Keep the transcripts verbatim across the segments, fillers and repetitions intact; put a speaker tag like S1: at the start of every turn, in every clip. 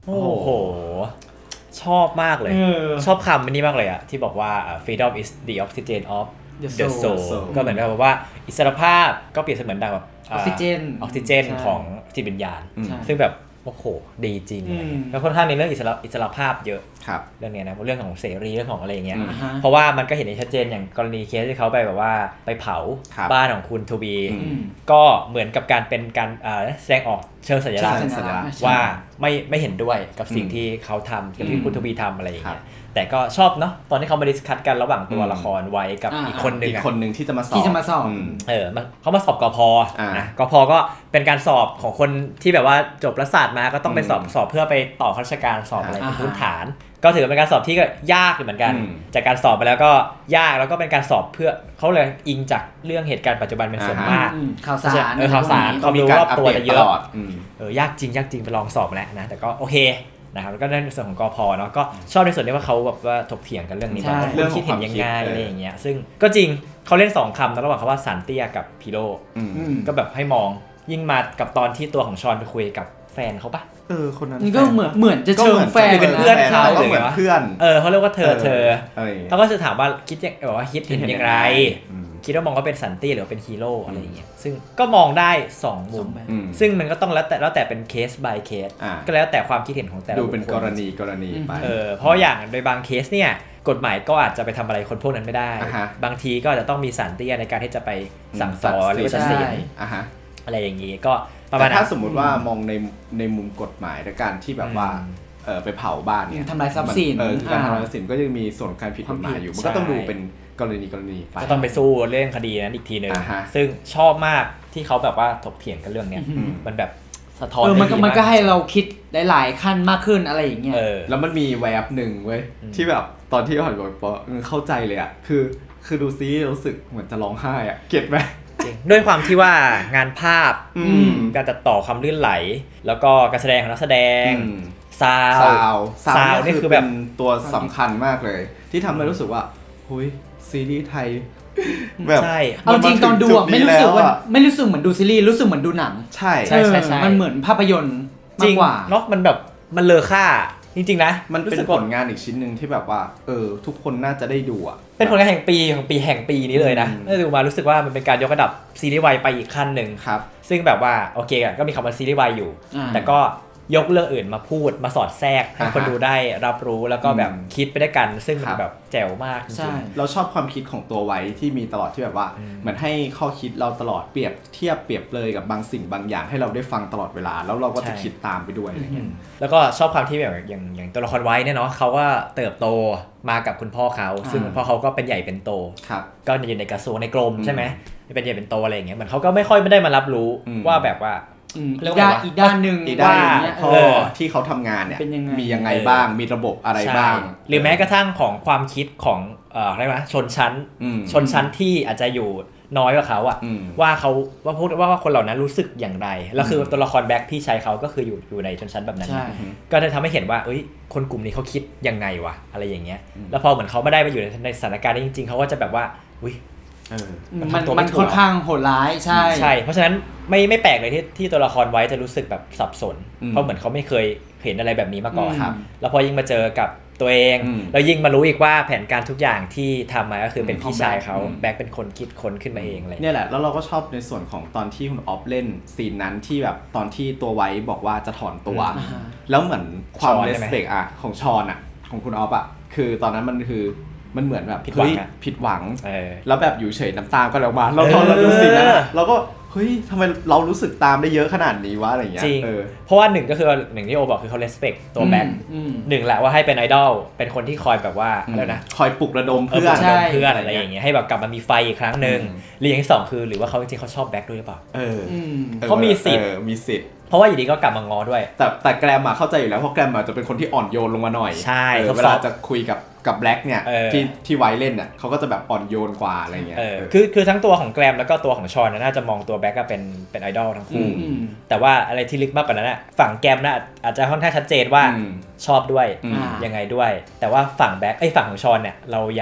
S1: โอ้โหชอบมากเลยชอบคำนี้มากเลยอะที่บอกว่า freedom is the oxygen of the soul ก็เหมือนกับว่าอิสรภาพก็เปรียบเสมือนดังแบบ
S2: ออกซิเจน
S1: ออกซิเจนของจิตวิญญาณซึ่งแบบโอ้โหดีจริงแล้วค่อนข้างในเรื่องอิสระอิสรภาพเยอะเรื่องนี้นะเรื่องของเสรีเรื่องของอะไรอย่างเงี้ยเพราะว่ามันก็เห็นได้ชัดเจนอย่างกรณีเคสที่เขาไปแบบว่าไปเผาบ้านของคุณทูบีก็เหมือนกับการเป็นการแสดงออกเชิงสัญลักษณ์ว่าไม่ไม่เห็นด้วยกับสิ่งที่เขาทำกับที่คุณทูบีทำอะไรอย่างเงี้ยแต่ก็ชอบเนาะตอนที่เขามาดิสคัสกันระหว่างตัวละครไว้กับอีกคนนึง
S3: อีกคนนึงที่จะมาสอบ
S2: ที่จะมาสอบ
S1: เออเขามาสอบกพนะกพก็เป็นการสอบของคนที่แบบว่าจบรัฐศาสตร์มาก็ต้องไปสอบสอบเพื่อไปต่อข้าราชการสอบอะไรเป็นพื้นฐานก็ถือเป็นการสอบที่ก็ยากเหมือนกันจากการสอบไปแล้วก็ยากแล้วก็เป็นการสอบเพื่อเขาเลยอิงจากเรื่องเหตุการณ์ปัจจุบันเป็นส่วนมาก
S2: ข่าวสาร
S1: เออข่าวสารความรู้รอบตัวจะเยอะเออยากจริงยากจริงไปลองสอบแล้วนะแต่ก็โอเคนะครับแล้วก็ในส่วนของกพเนาะก็ชอบในส่วนที่ว่าเขาแบบว่าถกเถียงกันเรื่องนี้ว่าคุณคิดเห็นยังไงอะไรอย่างเงี้ยซึ่งก็จริงเขาเล่นสองคำนะระหว่างคำว่าสันเตี้ยกับพีโร่ก็แบบให้มองยิ่งมากับตอนที่ตัวของชอนไปคุยกับแฟนเขาปะ
S3: เออคนนั้น
S2: นี่ก็เหมือนเหมือนจะเชิงแฟน
S1: เป็นเพื่อนเขา
S3: เหมือนเพื่อน
S1: เออเขาเรียกว่าเธอเธอเขาก็จะถามว่าคิดยังแบบว่าคิดเห็นยังไงคิดว่ามองว่าเป็นสันตี้หรือเป็นฮีโร่อะไรอย่างเงี้ยซึ่งก็มองได้สองมุมซึ่งมันก็ต้องแล้วแต่แล้วแต่เป็นเคส by เคสก็แล้วแต่ความคิดเห็นของแต่ละ
S3: ดูเป็นกรณีกรณีไป
S1: เออเพราะอย่างโดยบางเคสเนี่ยกฎหมายก็อาจจะไปทำอะไรคนพวกนั้นไม่ได้บางทีก็อาจจะต้องมีสันตี้ในการที่จะไปสั่งสอนหรือตัดสินอะไรอย่างงี้ก็
S3: แต่ถ้าสมมุติว่ามองในในมุมกฎหมายในการที่แบบว่าเออไปเผาบ้านเนี่ย
S2: ทำลายทรัพย์สิน
S3: เออการทำลายทรัพย์สินก็ยังมีส่วนการผิดกฎหมายอยู่มันก็ต้องดูเป็นกรณีกรณีไป
S1: ก็ต้องไปสู้เรื่องคดีนั้นอีกทีนึงซึ่งชอบมากที่เขาแบบว่าถกเถียงกันเรื่องเนี้ยมันแบบสะท้อน
S2: เออมันก็มันก็ให้เราคิดหลายๆขั้นมากขึ้นอะไรอย่างเงี้ย
S3: แล้วมันมีแวบหนึ่งเว้ยที่แบบตอนที่อ่อนบอกปอเข้าใจเลยอ่ะคือคือดูซีรู้สึกเหมือนจะร้องไห้อ่ะเก็ตไหม
S1: ด้วยความที่ว่างานภาพการตัดต่อความลื่นไหลแล้วก็การแสดงของนักแสดงซาว
S3: ซาวซาวนี่คือแบบตัวสำคัญมากเลยที่ทำให้รู้สึกว่าหุยซีรีส์ไทย
S1: แบบใช่
S2: เอาจริงตอนดูอ่ะไม่รู้สึกว่าไม่รู้สึกเหมือนดูซีรีส์รู้สึกเหมือนดูหนัง
S3: ใช่
S1: ใช่ใช่ใช่
S2: มันเหมือนภาพยนตร์มากกว่า
S1: เนาะมันแบบมันเลอค่าจริงๆนะ
S3: มันเป็นผลงานอีกชิ้นหนึ่งที่แบบว่าเออทุกคนน่าจะได้ดูอ่ะ
S1: เป็นผลงานแห่งปีของปีแห่งปีนี้เลยนะได้ดูมารู้สึกว่ามันเป็นการยกระดับซีรีส์วายไปอีกขั้นหนึ่ง
S3: ครับ
S1: ซึ่งแบบว่าโอเคก็มีคำว่าซีรีส์วายอยู่แต่ก็ยกเรื่องอื่นมาพูดมาสอดแทรกให้คนดูได้รับรู้แล้วก็แบบคิดไปด้วยกันซึ่งมันแบบแจ๋วมากจริง
S3: ๆเราชอบความคิดของตัวไว้ที่มีตลอดที่แบบว่าเหมือนให้ข้อคิดเราตลอดเปรียบเทียบเปรียบเลยกับบางสิ่งบางอย่างให้เราได้ฟังตลอดเวลาแล้วเราก็จะคิดตามไปด้วยอะไรเงี้ย
S1: แล้วก็ชอบความที่แบบอย่างอย่างตัวละครไว้เนี่ยเนาะเขาก็เติบโตมากับคุณพ่อเขาซึ่งคุณพ่อเขาก็เป็นใหญ่เป็นโตก็อยู่ในกระทรวงในกรมใช่ไหมเป็นใหญ่เป็นโตอะไรอย่างเงี้ยเหมือนเขาก็ไม่ค่อยไม่ได้มารับรู้ว่าแบบว่า
S2: อีกด้านอีกด้านหนึ่ง
S3: ว่าพ่อที่เขาทำงานเนี่ยมียังไงบ้างมีระบบอะไรบ้าง
S1: หรือแม้กระทั่งของความคิดของเอ่ออะไรวะชนชั้นชนชั้นที่อาจจะอยู่น้อยกว่าเขาอะว่าเขาว่าพวกว่าคนเหล่านั้นรู้สึกอย่างไรแล้วคือตัวละครแบ็คพี่ชายเขาก็คืออยู่อยู่ในชนชั้นแบบนั้นก็จะทำให้เห็นว่าเอ้ยคนกลุ่มนี้เขาคิดยังไงวะอะไรอย่างเงี้ยแล้วพอเหมือนเขาไม่ได้มาอยู่ในสถานการณ์นี้จริงๆเขาก็จะแบบว่าอุ้ย
S2: มันมันค่อนข้างโหดร้ายใช่
S1: ใช่เพราะฉะนั้นไม่ไม่แปลกเลยที่ที่ตัวละครไว้จะรู้สึกแบบสับสนเพราะเหมือนเขาไม่เคยเห็นอะไรแบบนี้มาก่อนแล้วพอยิ่งมาเจอกับตัวเองแล้วยิ่งมารู้อีกว่าแผนการทุกอย่างที่ทำมาก็คือเป็นพี่ชายเขาแบ็คเป็นคนคิดค้นขึ้นมาเองเลย
S3: เนี่ยแหละแล้วเราก็ชอบในส่วนของตอนที่คุณออฟเล่นซีนนั้นที่แบบตอนที่ตัวไว้บอกว่าจะถอนตัวแล้วเหมือนความเลสเปกอะของชอนอะของคุณออฟอะคือตอนนั้นมันคือมันเหมือนแบบ
S1: ผิดหวัง
S3: ผิดหวังแล้วแบบอยู่เฉยน้ำตาก็แล้วมาเราตอนเราดูซีนนั้นเราก็เฮ้ยทำไมเรารู้สึกตามได้เยอะขนาดนี้วะอะไรอย่างเงี้ย
S1: จริงเพราะว่าหนึ่งก็คือหนึ่งที่โอบอกคือเขา respect ตัวแบ็คหนึ่งแหละว่าให้เป็นไอดอลเป็นคนที่คอยแบบว่าอะไรนะ
S3: คอยปลุกระดมเพื่อน
S1: เพื่อนอะไรอย่างเงี้ยให้แบบกลับมามีไฟอีกครั้งนึงหรืออย่างที่สองคือหรือว่าเขาจริงๆเขาชอบแบ็คด้วยหรือเปล่า
S3: เออ
S1: เขามีสิทธิ์
S3: มีสิทธิ์
S1: เพราะว่าอยู่ดีก็กลับมาง้อด้วย
S3: แต่แต่แกรมมาเข้าใจอยู่แล้วเพราะแกรมมาจะเป็นคนที่อ่อนโยนลงมาหน่อย
S1: ใช่
S3: เวลาจะคุยกับกับแบล็กเนี่ยที่ที่ไว้เล่นน่ะเขาก็จะแบบอ่อนโยนกว่าอะไรเงี้ย
S1: คือคือทั้งตัวของแกรมแล้วก็ตัวของชอนน่าจะมองตัวแบล็กก็เป็นเป็นไอดอลทั้งคู่แต่ว่าอะไรที่ลึกมากกว่านั้นน่ะฝั่งแกรมน่ะอาจจะค่อนข้างชัดเจนว่าชอบด้วยยังไงด้วยแต่ว่าฝั่งแบล็กไอ้ฝั่งของชอนเนี่ยเรายัง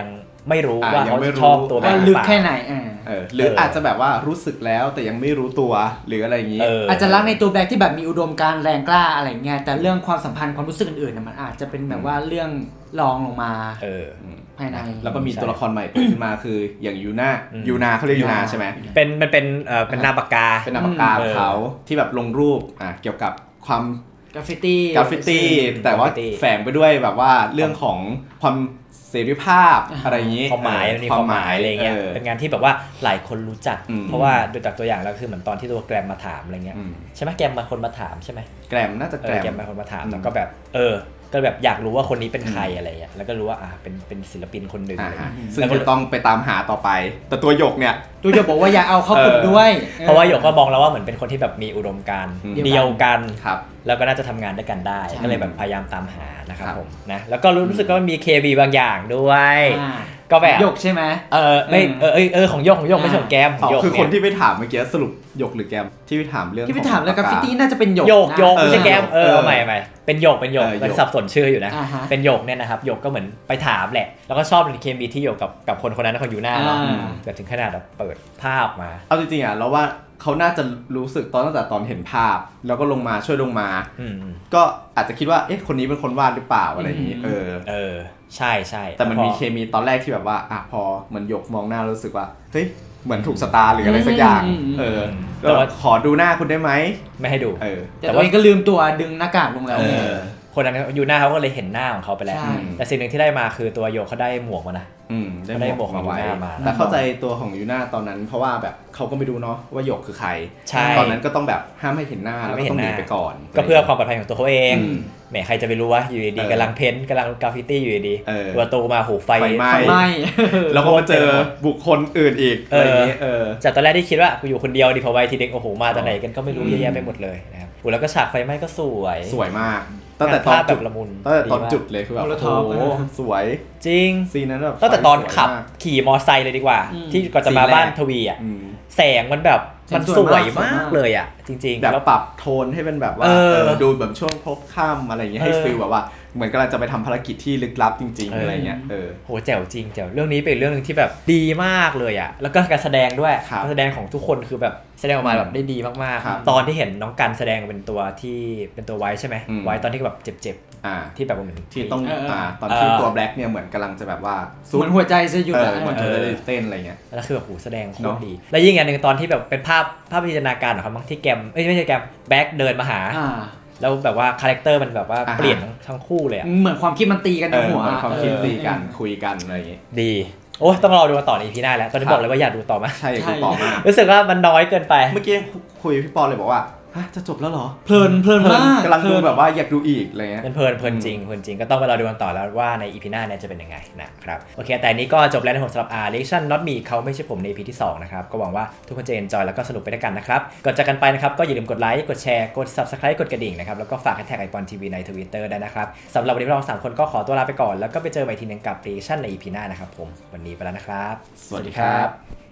S1: ไม่รู้
S3: อ่ะ
S1: ว่า
S3: ยั
S1: เขา
S3: งไม่รู้
S1: ชอบตัวแบ
S2: ว่า
S1: บ
S2: ลึกแค่ไหนอ่า
S3: เออหรืออาจจะแบบว่ารู้สึกแล้วแต่ยังไม่รู้ตัวหรืออะไรอย่างนี้
S1: เออ
S2: อาจจะรักในตัวแบล็คที่แบบมีอุดมการณ์แรงกล้าอะไรเงี้ยแต่เรื่องความสัมพันธ์ความรู้สึกอื่นๆน่ะมันอาจจะเป็นแบบว่าเรื่องรองลงมา
S1: เออ
S2: ภายใน
S3: แล้วก็มีตัวละครใหม่เปิดขึ้นมาคืออย่างยูน่า
S1: อืม
S3: ยูนาเขาเรียกยูนาใช่ไหม
S1: เป็นมันเป็นเอ่อเป็นนามปากกา
S3: เป็นนามปากกาของเขาที่แบบลงรูปอ่ะเกี่ยวกับความ
S2: กราฟฟิตี้
S3: กราฟฟิตี้แต่ว่าแฝงไปด้วยแบบว่าเรื่องของความเสรีภาพอะไรอย่างนี้
S1: ความหมายมันมีความหมายอะไรเงี้ยเป็นงานที่แบบว่าหลายคนรู้จัก
S3: อืม
S1: เพราะว่าดูจากตัวอย่างแล้วคือเหมือนตอนที่ตัวแกรมมาถามอะไรเงี้ย
S3: อืม
S1: ใช่ไหมแกรมมาคนมาถามใช่ไหม
S3: แกรมน่าจะ
S1: เอ
S3: แกร
S1: อ
S3: ม
S1: แกรมมาคนมาถาม
S3: อืม
S1: แล้วก็แบบเออก็แบบอยากรู้ว่าคนนี้เป็นใครอะไรเงี้ยแล้วก็รู้ว่าอ่าเป็นเป็นศิลปินคนหนึ่ง
S3: อ่า
S1: อะไร
S3: ฮะ
S1: เงี้ย
S3: ซึ่งจะต้องไปตามหาต่อไป แต่ตัวหยกเนี่ย
S2: ตัวจะบอกว่าอย่าเอาเข้ากลุ่มด้วย
S1: เพราะว่าหยกก็มองแล้วว่าเหมือนเป็นคนที่แบบมีอุดมการณ์
S3: อืม
S1: เดียวกัน
S3: ครับ
S1: แล้วก็น่าจะทำงานด้วยกันได้
S2: ใช่
S1: ก็เลยแบบพยายามตามหานะครับ
S3: ครับ
S1: ผมนะแล้วก็รู้สึกว่ามันมี เค บี บางอย่างด้วย
S2: อ่า
S1: ก็แบบ
S2: หยกใช่ไหม
S1: เออไม่
S2: เออ
S1: เออเออเออของโยกของโยกไม่ใช่ของแกมข
S3: อ๋
S1: อง
S3: อ
S1: โยก
S3: คือ
S1: เนี่
S3: ค
S1: ย
S3: นที่ไปถามเมื่อกี้สรุปหยกหรือแกมที่ไปถามเรื่อง
S2: ที่ไป
S3: ของ
S2: ถามแล้วกราฟฟิตี้
S3: ปากก
S2: น่าจะเป็นหยก
S1: โยก
S2: นะ
S1: โยกไม่ใช่แกมเออ
S3: เออ
S1: เอาใหม่ใหม่เป็นโยกเป็นโยก
S3: เออ
S1: เป็น
S3: โยก
S1: สับสนชื่ออยู่นะ
S2: อ่าฮะ
S1: เป็นโยกเนี่ยนะครับโยกก็เหมือนไปถามแหละแล้วก็ชอบเป็นเคมีที่โยกกับกับคนคนนั้นของยูน่าเนาะ
S2: อ่า
S1: แบบถึงขนาดแบบเปิดภาพมา
S3: เอาจริงๆอ่ะเราว่าเขาน่าจะรู้สึกตอนตั้งแต่ตอนเห็นภาพ แล้วก็ลงมาช่วยลงมา
S1: อืมอืม
S3: ก็อาจจะคิดว่าเอ๊ะคนนี้เป็นคนวาดหรือเปล่าอะไรอย่างนี้
S2: อืม
S3: เออ
S1: เออใช่ใช่
S3: แต่มันมีเคมีตอนแรกที่แบบว่าอ่ะพอเหมือนหยกมองหน้ารู้สึกว่าเฮ้ยเหมือนถูกสตาร์หรืออะไรสักอย่าง
S2: อืมอืม
S3: เออ
S1: แต่ว่า
S3: ขอดูหน้าคุณได้ไหม
S1: ไม่ให้ดู
S3: เออ
S2: แต่ตัวเองก็ลืมตัวดึงหน้ากากลงแล้ว
S3: เอ
S2: ไง
S3: อ
S1: คนนั้นยูน่าเขาก็เลยเห็นหน้าของเขาไปแล้ว
S2: ใช่
S1: แต่สิ่งหนึ่งที่ได้มาคือตัวโยกเขาได้หมวกมานะ
S3: อืม
S1: ได้
S3: ได้
S1: หมวกของ
S3: ไว้
S1: ยูน่ามา
S3: แต่เข้าใจตัวของยูน่าตอนนั้น เพราะว่าแบบเขาก็ไม่รู้เนาะว่าหยกคือใคร
S1: ใช่
S3: ตอนนั้นก็ต้องแบบห้ามให้เห็นหน้า
S1: ห้าม
S3: แล้ว
S1: ไม่
S3: ก็
S1: เห็
S3: ต้อน ง
S1: ห
S3: หนี
S1: น้า
S3: ไปก่อน
S1: ก็เพื่อความปลอดภัยของตัวเขาเอง
S3: อืม
S1: แหมใครจะไปรู้ว่าอยู่ดี
S3: เออ
S1: ๆกำลังเพ้นท์กำลังกราฟฟิตี้อยู่ดี
S3: เออ
S1: ๆประตูมาโหไฟ
S3: ไฟไหม้
S2: ไฟไหม้
S3: แล้วก็มาเจอบุคคลอื่นอีกอะไรอย่างนี้เออ
S1: จากตอนแรกที่คิดว่ากูอยู่คนเดียวดิพอไวทีเด็กโอ้โหมาจากไหนกันก็ไม่รู้
S3: อืม
S1: เยอะแยะไปหมดเลยนะครับโอ้แล้วก็ฉากไฟไหม้ก็สวย
S3: สวยมากตั้งแต่ตอน
S1: งานภาพ
S3: จุด
S1: แบบละมุน
S3: ตั้งแต่ตอน
S1: ดีมาก
S3: จุดเลยคือแบบ
S2: โมโลท
S3: โอ้
S2: อฟ
S3: โห
S2: เออ
S3: สวย
S1: จริง
S3: ซีนนั้นแบบ
S1: ตั้งแต่ตอน
S3: ไฟสวย
S1: ขับ
S3: มาก
S1: ขี่มอไซค์เลยดีกว่า
S2: อืม
S1: ที่ก่อนจะมา
S3: ซีนแรก
S1: บ้านทวีอ่ะ
S3: อืม
S1: แสงมันแบบมัน
S2: แสง
S1: ส
S2: ส
S1: ว
S2: วย ย
S1: มาม
S2: าก ก
S1: เลยอ่ะ จริงๆ
S3: แบบ
S1: แล้ว
S3: ปรับโทนให้เป็นแบบว่า
S1: เออ
S3: เออดูแบบช่วงพบค่ำอะไรอย่างเงี้ยให้
S1: เออ
S3: ฟีลแบบว่าเหมือนกำลังจะไปทำภารกิจที่ลึกลับจริง
S1: เอออ
S3: ๆอะไรเงี้ยเออ
S1: โหแจ๋วจริงแจ๋วเรื่องนี้เป็นเรื่องหนึงที่แบบดีมากเลยอ่ะแล้วก็การแสดงด้วย
S3: ครับ
S1: การแสดงของทุกคนคือแบบแสดงออกมาแบบได้ดีมาก
S3: ครับ
S1: ๆ ตอนที่เห็นน้องกันแสดงเป็นตัวที่เป็นตัวไว้ใช่ไหม
S3: อืม
S1: ไว้ตอนที่แบบเจ็บ
S3: อ่า
S1: ๆที่แบบเหมือน
S3: ที่ต้อง
S2: เออเอออ่
S3: อ่าตอนที่
S1: เออ
S3: ตัวแบล็กเนี่ยเหมือนกำลังจะแบบว่า
S2: เหมือนหัวใจจะหยุด
S3: เอ
S2: อะ
S3: อเหมือน
S1: เอ
S3: จะ
S1: อ
S3: ได้เต้นอะไรเงี้ย
S1: แล้วคือแบบโหแสดงโค
S3: เน
S1: ต
S3: อะ
S1: รดี แล้วยิ่งอย่างหนึ่งตอนที่แบบเป็นภาพภาพพิจารณาการของเขาบ้างที่แกมเอ้ยไม่ใช่แกมแบ็คเดินมาหา
S2: อ่า
S1: แล้วแบบว่าคาแรคเตอร์มันแบบว่า
S3: อ่าฮะ
S1: เปลี่ยนทั้งทั้งคู่เลยอะ
S2: เหมือนความคิดมันตีกัน
S3: เอ
S2: ใน
S3: อ
S2: หัว
S3: เหมือนความคิด
S2: เออ
S3: ตีกันคุยกันอะไรอย่างเงี้ย
S1: ดีโอ้ยต้องรอดูกันต่อใน อี พี หน้าแล้วตอนนี้
S3: ครับ
S1: บอกเลยว่าอยากดูต่อมาก
S3: ใช่
S2: ใช่
S3: คือต่อมาก
S1: รู้สึกว่ามันน้อยเกินไป
S3: เมื่อกี้คุยกับพี่ปอเลยบอกว่าฮะจะจบแล้วเหรอ
S2: เพลินเพลินมาก
S3: กำลังดู
S2: เพลิน
S3: แบบว่าอยากดูอีกอะไรเงี้ย
S1: เพลินเพลินจริงเพลินจริงก็ต้องไปรอดูกันต่อแล้วว่าใน อี พี หน้าเนี่ยจะเป็นยังไงนะครับโอเคแต่อันนี้ก็จบแล้วนะผมสำหรับ R Reaction Not Me เขาไม่ใช่ผมใน อี พี ที่สองนะครับก็หวังว่าทุกคนจะ enjoy แล้วก็สนุกไปด้วยกันนะครับก่อนจากกันไปนะครับก็อย่าลืมกดไลค์กดแชร์กด Subscribe กดกระดิ่งนะครับแล้วก็ฝากแท็กไอปอนทีวีใน Twitter ได้นะครับสำหรับวันนี้เราสามคนก็ขอตัวลาไปก่อนแล้วก็ไปเจอกันใหม่ทีนึงกับ Reaction ใน อี พี หน้านะครับผมวันนี้ไปแล้วนะครับ
S3: สวัสดีครับ